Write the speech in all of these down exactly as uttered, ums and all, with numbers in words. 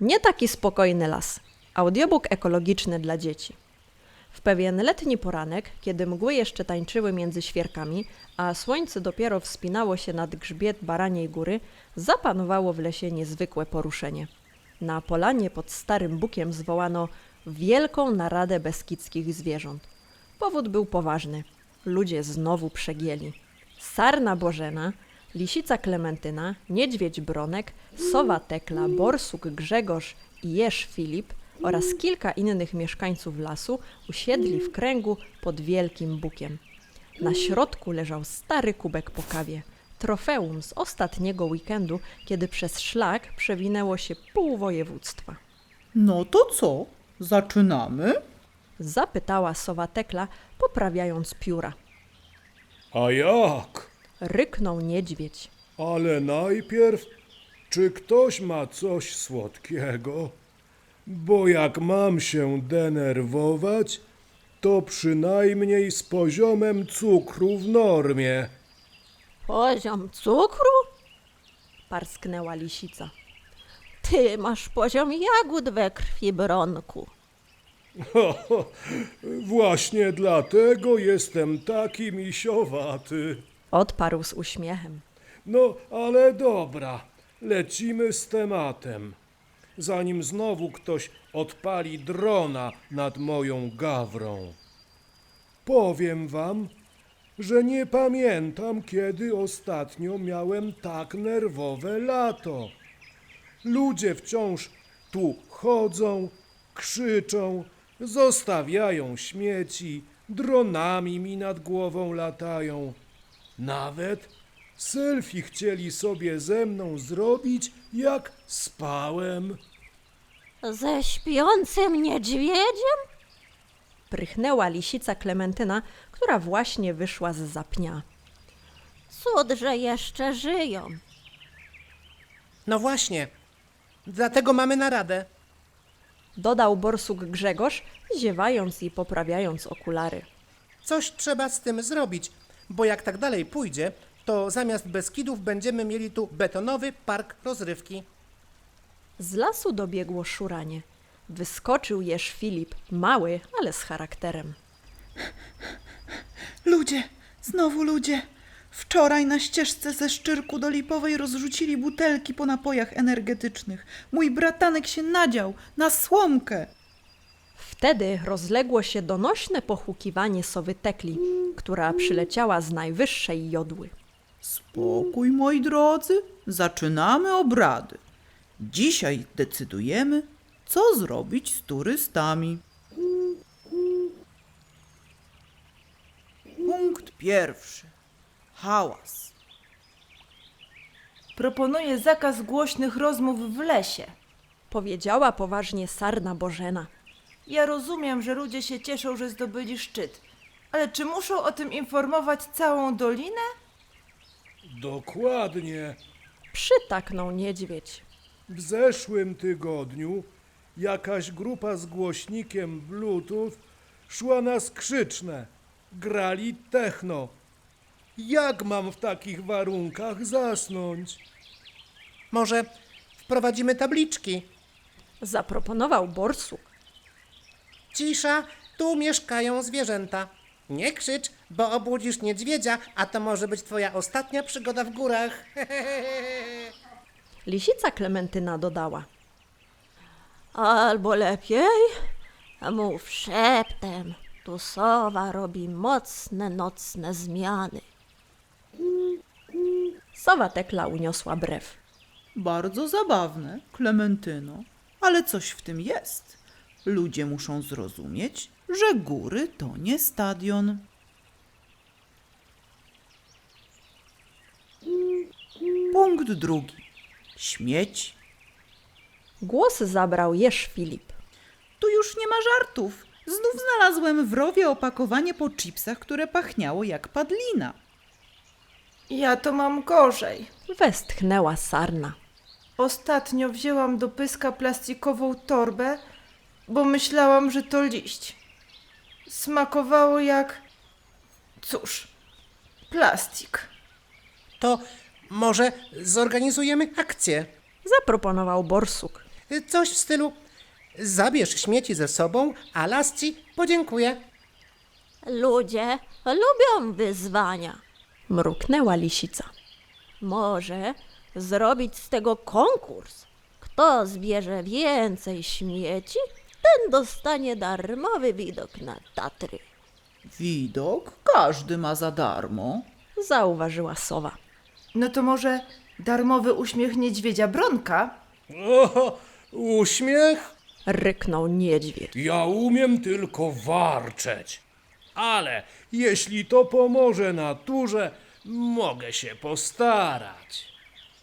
Nie taki spokojny las. Audiobook ekologiczny dla dzieci. W pewien letni poranek, kiedy mgły jeszcze tańczyły między świerkami, a słońce dopiero wspinało się nad grzbiet Baraniej Góry, zapanowało w lesie niezwykłe poruszenie. Na polanie pod Starym Bukiem zwołano wielką naradę beskidzkich zwierząt. Powód był poważny. Ludzie znowu przegięli. Sarna Bożena, lisica Klementyna, niedźwiedź Bronek, sowa Tekla, borsuk Grzegorz i jeż Filip oraz kilka innych mieszkańców lasu usiedli w kręgu pod wielkim bukiem. Na środku leżał stary kubek po kawie, trofeum z ostatniego weekendu, kiedy przez szlak przewinęło się pół województwa. No to co? Zaczynamy? Zapytała sowa Tekla, poprawiając pióra. A jak? Ryknął niedźwiedź. Ale najpierw, czy ktoś ma coś słodkiego? Bo jak mam się denerwować, to przynajmniej z poziomem cukru w normie. Poziom cukru? Parsknęła lisica. Ty masz poziom jagód we krwi, Bronku. Właśnie dlatego jestem taki misiowaty. Odparł z uśmiechem. No, ale dobra, lecimy z tematem. Zanim znowu ktoś odpali drona nad moją gawrą. Powiem wam, że nie pamiętam, kiedy ostatnio miałem tak nerwowe lato. Ludzie wciąż tu chodzą, krzyczą, zostawiają śmieci, dronami mi nad głową latają. Nawet selfie chcieli sobie ze mną zrobić, jak spałem. Ze śpiącym niedźwiedziem? Prychnęła lisica Klementyna, która właśnie wyszła z zapnia. Cud, że jeszcze żyją. No właśnie, dlatego mamy naradę. Dodał borsuk Grzegorz, ziewając i poprawiając okulary. Coś trzeba z tym zrobić, bo jak tak dalej pójdzie, to zamiast Beskidów będziemy mieli tu betonowy park rozrywki. Z lasu dobiegło szuranie. Wyskoczył jeż Filip, mały, ale z charakterem. Ludzie, znowu ludzie. Wczoraj na ścieżce ze Szczyrku do Lipowej rozrzucili butelki po napojach energetycznych. Mój bratanek się nadział na słomkę. Wtedy rozległo się donośne pochukiwanie sowy Tekli, która przyleciała z najwyższej jodły. Spokój, moi drodzy, zaczynamy obrady. Dzisiaj decydujemy, co zrobić z turystami. Punkt pierwszy. Hałas. Proponuję zakaz głośnych rozmów w lesie. Powiedziała poważnie Sarna Bożena. Ja rozumiem, że ludzie się cieszą, że zdobyli szczyt, ale czy muszą o tym informować całą dolinę? Dokładnie. Przytaknął niedźwiedź. W zeszłym tygodniu jakaś grupa z głośnikiem Bluetooth szła na skrzyczne. Grali techno. Jak mam w takich warunkach zasnąć? Może wprowadzimy tabliczki. Zaproponował borsuk. Cisza, tu mieszkają zwierzęta. Nie krzycz, bo obudzisz niedźwiedzia, a to może być twoja ostatnia przygoda w górach. Lisica Klementyna dodała. Albo lepiej mów szeptem. Tu sowa robi mocne nocne zmiany. Sowa Tekla uniosła brew. Bardzo zabawne, Klementyno, ale coś w tym jest. Ludzie muszą zrozumieć, że góry to nie stadion. Punkt drugi. Śmieci. Głos zabrał jeż Filip. Tu już nie ma żartów. Znów znalazłem w rowie opakowanie po chipsach, które pachniało jak padlina. Ja to mam gorzej. Westchnęła Sarna. Ostatnio wzięłam do pyska plastikową torbę, bo myślałam, że to liść. Smakowało jak... cóż, plastik. To może zorganizujemy akcję. Zaproponował borsuk. Coś w stylu: zabierz śmieci ze sobą, a las ci podziękuję. Ludzie lubią wyzwania. Mruknęła lisica. Może zrobić z tego konkurs. Kto zbierze więcej śmieci, ten dostanie darmowy widok na Tatry. Widok każdy ma za darmo. Zauważyła sowa. No to może darmowy uśmiech niedźwiedzia Bronka? O, uśmiech? Ryknął niedźwiedź. Ja umiem tylko warczeć. Ale jeśli to pomoże naturze, mogę się postarać.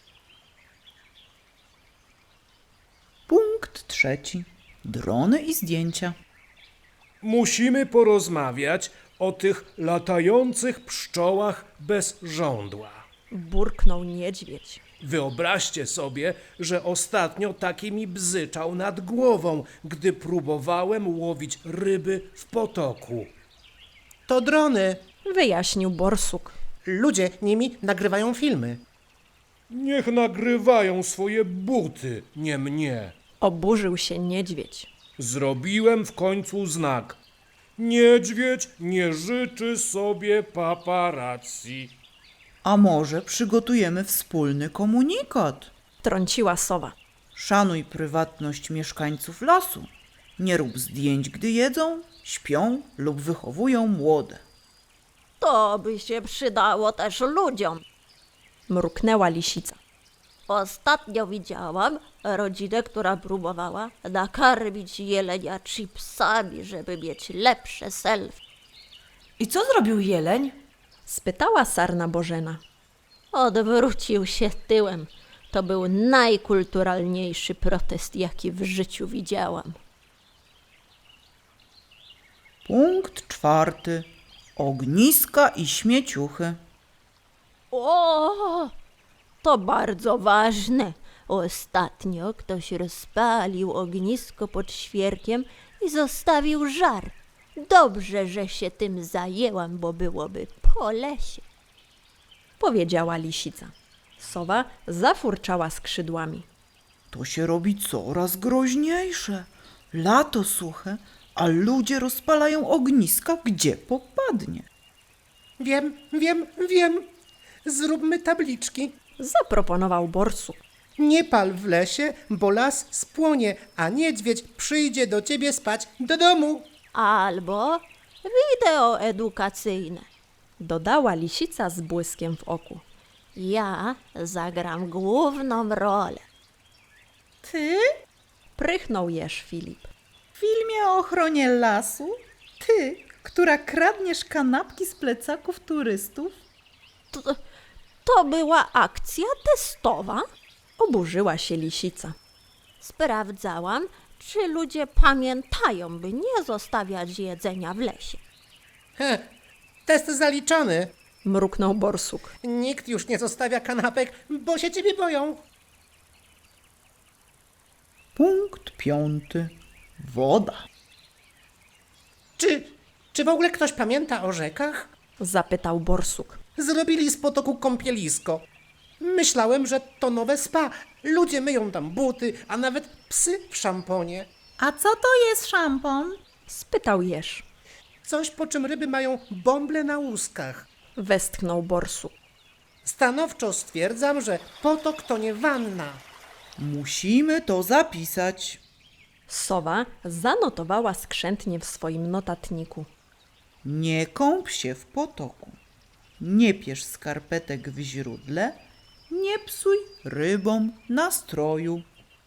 Punkt trzeci. Drony i zdjęcia. Musimy porozmawiać o tych latających pszczołach bez żądła. Burknął niedźwiedź. Wyobraźcie sobie, że ostatnio taki mi bzyczał nad głową, gdy próbowałem łowić ryby w potoku. To drony. Wyjaśnił borsuk. Ludzie nimi nagrywają filmy. Niech nagrywają swoje buty, nie mnie. Oburzył się niedźwiedź. Zrobiłem w końcu znak. Niedźwiedź nie życzy sobie paparazzi. A może przygotujemy wspólny komunikat? Trąciła sowa. Szanuj prywatność mieszkańców lasu. Nie rób zdjęć, gdy jedzą, śpią lub wychowują młode. To by się przydało też ludziom. Mruknęła lisica. Ostatnio widziałam rodzinę, która próbowała nakarmić jelenia chipsami, żeby mieć lepsze selfie. I co zrobił jeleń? Spytała sarna Bożena. Odwrócił się tyłem. To był najkulturalniejszy protest, jaki w życiu widziałam. Punkt czwarty. Ogniska i śmieciuchy. O, to bardzo ważne. Ostatnio ktoś rozpalił ognisko pod świerkiem i zostawił żar. Dobrze, że się tym zajęłam, bo byłoby po lesie. Powiedziała lisica. Sowa zafurczała skrzydłami. To się robi coraz groźniejsze. Lato suche, a ludzie rozpalają ogniska, gdzie popadnie. Wiem, wiem, wiem. Zróbmy tabliczki. Zaproponował borsuk. Nie pal w lesie, bo las spłonie, a niedźwiedź przyjdzie do ciebie spać do domu. Albo wideo edukacyjne. Dodała lisica z błyskiem w oku. Ja zagram główną rolę. Ty? Prychnął jeż Filip. W filmie o ochronie lasu? Ty, która kradniesz kanapki z plecaków turystów? To, to była akcja testowa. Oburzyła się lisica. Sprawdzałam, czy ludzie pamiętają, by nie zostawiać jedzenia w lesie. Heh, test zaliczony. Mruknął borsuk. Nikt już nie zostawia kanapek, bo się ciebie boją. Punkt piąty. Woda. Czy, czy w ogóle ktoś pamięta o rzekach? Zapytał borsuk. Zrobili z potoku kąpielisko. Myślałem, że to nowe spa. Ludzie myją tam buty, a nawet psy w szamponie. A co to jest szampon? Spytał jeż. Coś, po czym ryby mają bąble na łuskach. Westchnął borsuk. Stanowczo stwierdzam, że potok to nie wanna. Musimy to zapisać. Sowa zanotowała skrzętnie w swoim notatniku. Nie kąp się w potoku. Nie pierz skarpetek w źródle. Nie psuj rybom nastroju.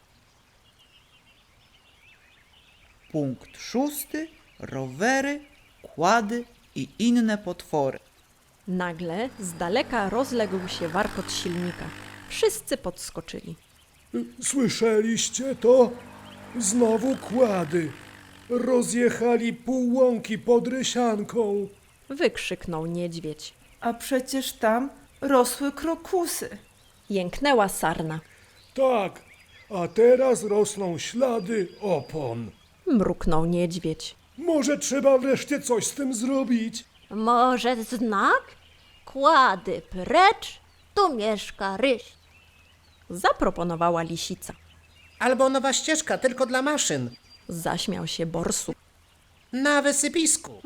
Punkt szósty. Rowery, kłady i inne potwory. Nagle z daleka rozległ się warkot silnika. Wszyscy podskoczyli. Słyszeliście to? Znowu kłady. Rozjechali pół łąki pod Rysianką. Wykrzyknął niedźwiedź. A przecież tam rosły krokusy. Jęknęła sarna. Tak, a teraz rosną ślady opon. Mruknął niedźwiedź. Może trzeba wreszcie coś z tym zrobić? Może znak? Kłady precz, tu mieszka ryś. Zaproponowała lisica. Albo nowa ścieżka tylko dla maszyn. Zaśmiał się borsuk. Na wysypisku.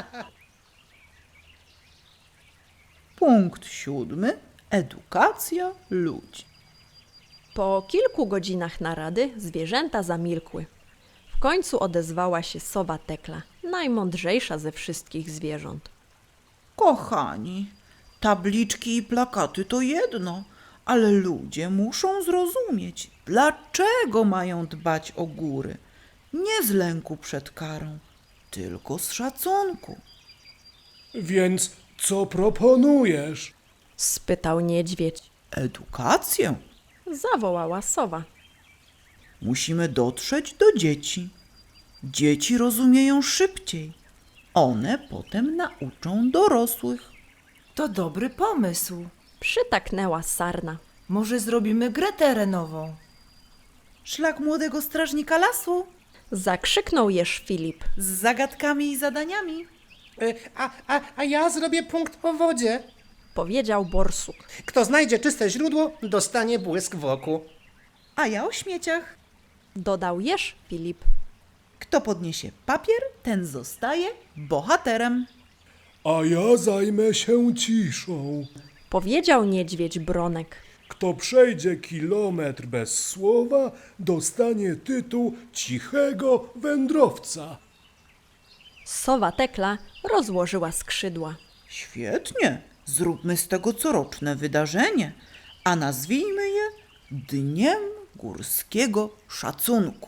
Punkt siódmy. Edukacja ludzi. Po kilku godzinach narady zwierzęta zamilkły. W końcu odezwała się sowa Tekla, najmądrzejsza ze wszystkich zwierząt. Kochani, tabliczki i plakaty to jedno, ale ludzie muszą zrozumieć, dlaczego mają dbać o góry. Nie z lęku przed karą, tylko z szacunku. Więc co proponujesz? Spytał niedźwiedź. Edukację. Zawołała sowa. Musimy dotrzeć do dzieci. Dzieci rozumieją szybciej. One potem nauczą dorosłych. To dobry pomysł. Przytaknęła sarna. Może zrobimy grę terenową. Szlak młodego strażnika lasu Zakrzyknął jeż Filip. z zagadkami i zadaniami. Y, A, a, a ja zrobię punkt o wodzie. Powiedział borsuk. Kto znajdzie czyste źródło, dostanie błysk w oku. A ja o śmieciach. Dodał jeż Filip. Kto podniesie papier, ten zostaje bohaterem. A ja zajmę się ciszą. Powiedział niedźwiedź Bronek. Kto przejdzie kilometr bez słowa, dostanie tytuł cichego wędrowca. Sowa Tekla rozłożyła skrzydła. Świetnie. Zróbmy z tego coroczne wydarzenie, a nazwijmy je Dniem Górskiego Szacunku.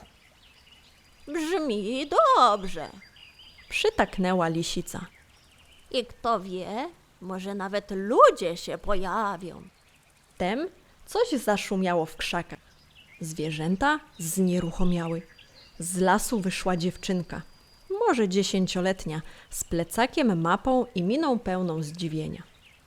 Brzmi dobrze. Przytaknęła lisica. I kto wie, może nawet ludzie się pojawią. Wtem coś zaszumiało w krzakach. Zwierzęta znieruchomiały. Z lasu wyszła dziewczynka, może dziesięcioletnia, z plecakiem, mapą i miną pełną zdziwienia.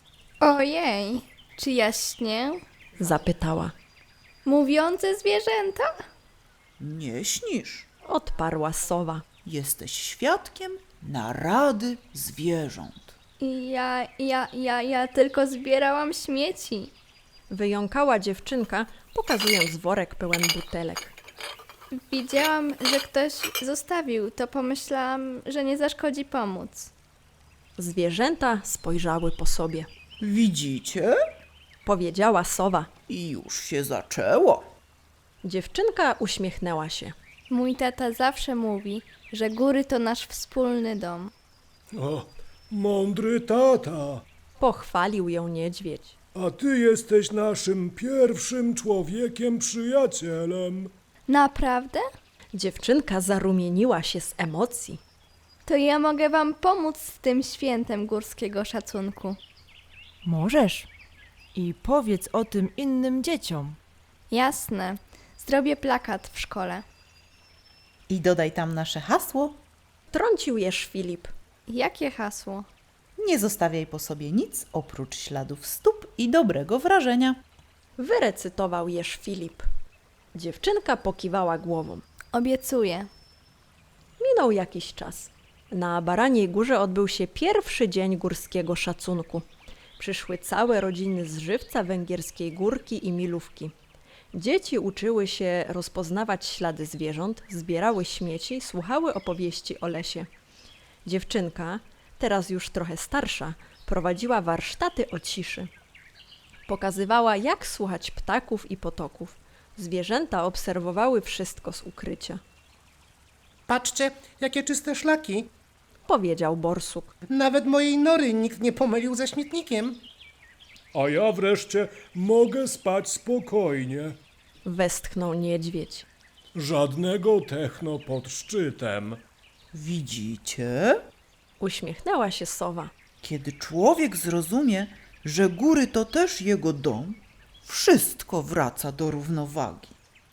Ojej, czy ja śnię? Zapytała. Mówiące zwierzęta? Nie śnisz. Odparła sowa. Jesteś świadkiem narady zwierząt. Ja, ja, ja, ja tylko zbierałam śmieci. Wyjąkała dziewczynka, pokazując worek pełen butelek. Widziałam, że ktoś zostawił, to pomyślałam, że nie zaszkodzi pomóc. Zwierzęta spojrzały po sobie. Widzicie? Powiedziała sowa. I już się zaczęło. Dziewczynka uśmiechnęła się. Mój tata zawsze mówi, że góry to nasz wspólny dom. O, mądry tata, Pochwalił ją niedźwiedź. a ty jesteś naszym pierwszym człowiekiem przyjacielem. Naprawdę? Dziewczynka zarumieniła się z emocji. To ja mogę wam pomóc z tym świętem górskiego szacunku. Możesz. I powiedz o tym innym dzieciom. Jasne. Zrobię plakat w szkole. I dodaj tam nasze hasło. Trącił jeż Filip. Jakie hasło? Nie zostawiaj po sobie nic oprócz śladów stóp i dobrego wrażenia. Wyrecytował jeż Filip. Dziewczynka pokiwała głową. Obiecuję. Minął jakiś czas. Na Baraniej Górze odbył się pierwszy dzień górskiego szacunku. Przyszły całe rodziny z Żywca, Węgierskiej Górki i Milówki. Dzieci uczyły się rozpoznawać ślady zwierząt, zbierały śmieci, słuchały opowieści o lesie. Dziewczynka, teraz już trochę starsza, prowadziła warsztaty o ciszy. Pokazywała, jak słuchać ptaków i potoków. Zwierzęta obserwowały wszystko z ukrycia. Patrzcie, jakie czyste szlaki. Powiedział borsuk. Nawet mojej nory nikt nie pomylił ze śmietnikiem. A ja wreszcie mogę spać spokojnie. Westchnął niedźwiedź. Żadnego techno pod szczytem. Widzicie? Uśmiechnęła się sowa. Kiedy człowiek zrozumie, że góry to też jego dom, wszystko wraca do równowagi.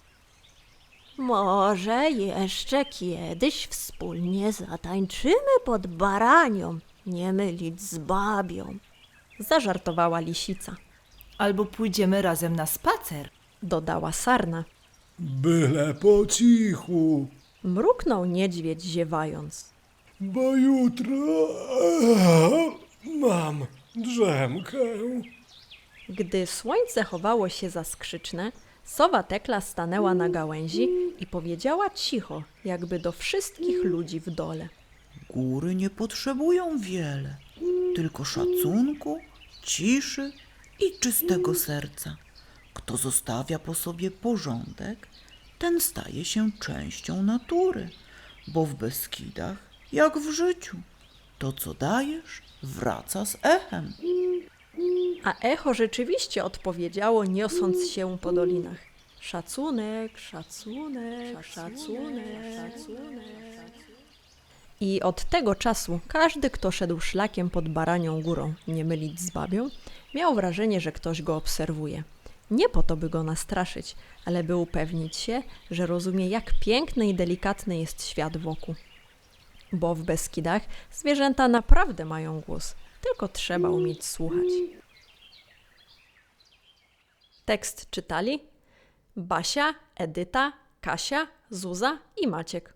Może jeszcze kiedyś wspólnie zatańczymy pod baranią, nie mylić z babią. Zażartowała lisica. Albo pójdziemy razem na spacer. Dodała sarna. Byle po cichu, Mruknął niedźwiedź ziewając. bo jutro mam drzemkę. Gdy słońce chowało się za skrzyczne, Sowa Tekla stanęła na gałęzi i powiedziała cicho, jakby do wszystkich ludzi w dole. Góry nie potrzebują wiele, tylko szacunku, ciszy i czystego serca. Kto zostawia po sobie porządek, ten staje się częścią natury, bo w Beskidach, jak w życiu, to co dajesz, wraca z echem. A echo rzeczywiście odpowiedziało, niosąc się po dolinach. Szacunek, szacunek, szacunek, szacunek. I od tego czasu każdy, kto szedł szlakiem pod Baranią Górą, nie mylić z babią, miał wrażenie, że ktoś go obserwuje. Nie po to, by go nastraszyć, ale by upewnić się, że rozumie, jak piękny i delikatny jest świat wokół. Bo w Beskidach zwierzęta naprawdę mają głos, tylko trzeba umieć słuchać. Tekst czytali Basia, Edyta, Kasia, Zuza i Maciek.